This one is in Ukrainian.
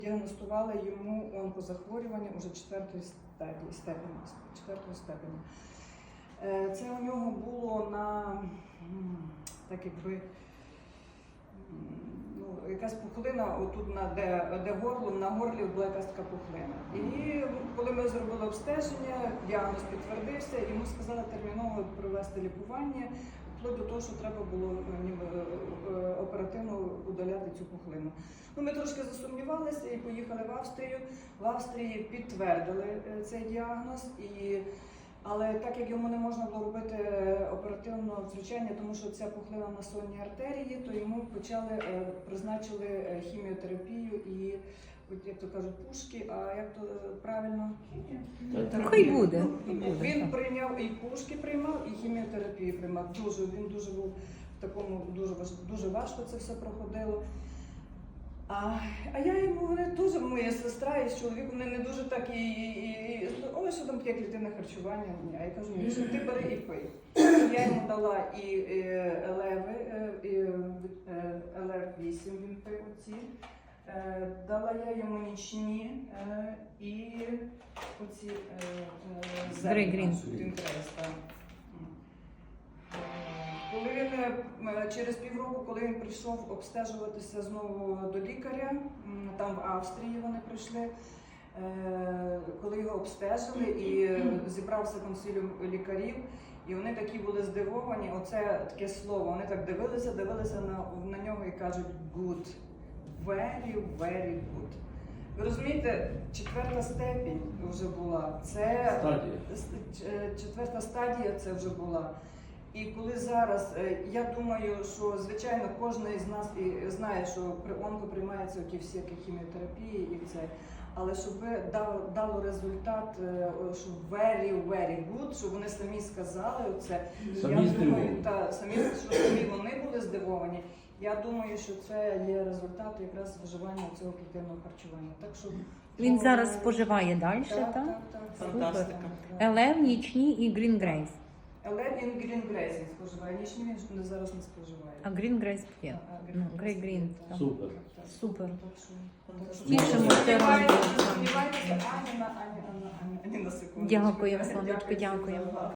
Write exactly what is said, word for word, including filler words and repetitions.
Діагностували йому онкозахворювання уже четвертої стадії, степені, четвертої степені. Це у нього було на, так якби, ну, якась пухлина, отут, на, де, де горло, на горлі була якась така пухлина. І коли ми зробили обстеження, діагноз підтвердився, йому сказали терміново провести лікування, вплоть до того, що треба було ніби оперативно удаляти цю пухлину. Ну, ми трошки засумнівалися і поїхали в Австрію. В Австрії підтвердили цей діагноз, і, але так як йому не можна було робити оперативне втручання, тому що ця пухлина на сонній артерії, то йому почали, призначили хіміотерапію і, як то кажуть, пушки, а як то правильно? Хай буде. Він прийняв і пушки приймав, і хіміотерапію приймав. Дуже, він дуже був в такому, дуже, дуже важко це все проходило. А, а я йому, вони дуже, моя сестра і з чоловіком, вони не дуже так і, і, і ой, що там таке клітинне харчування. А я кажу, ні, що ти бери і пий. Я йому дала і елеви, і ел ар вісім він пив оці. Дала я йому нічні і оці Грей-грін. Коли він через півроку, коли він прийшов обстежуватися знову до лікаря, там в Австрії вони прийшли, коли його обстежили і зібрався консиліум лікарів, і вони такі були здивовані, оце таке слово, вони так дивилися, дивилися на, на нього і кажуть good, very, very good. Ви розумієте, четверта степінь вже була, це стадія. четверта стадія це вже була. І коли зараз, я думаю, що, звичайно, кожен із нас і знає, що при онко приймаються ті всі хіміотерапії і це, але щоб дало, дало результат, що very, very good, щоб вони самі сказали оце, самі я думаю, та, самі, що самі вони були здивовані, я думаю, що це є результат якраз вживання цього клітинного харчування. Так що Він зараз споживає далі, так? так? Так, так, Фантастика. Елев, нічні і Green Grace. Але він Green Grace він споживає, нічні він зараз не споживає. А Green Grace п'є. Ну, Grey Green. так. Супер. Супер. Тішимося. Тішимося. Сподіваємося, ані на ані, ані, ані на секунду. Дякую, Сонечко, дякую.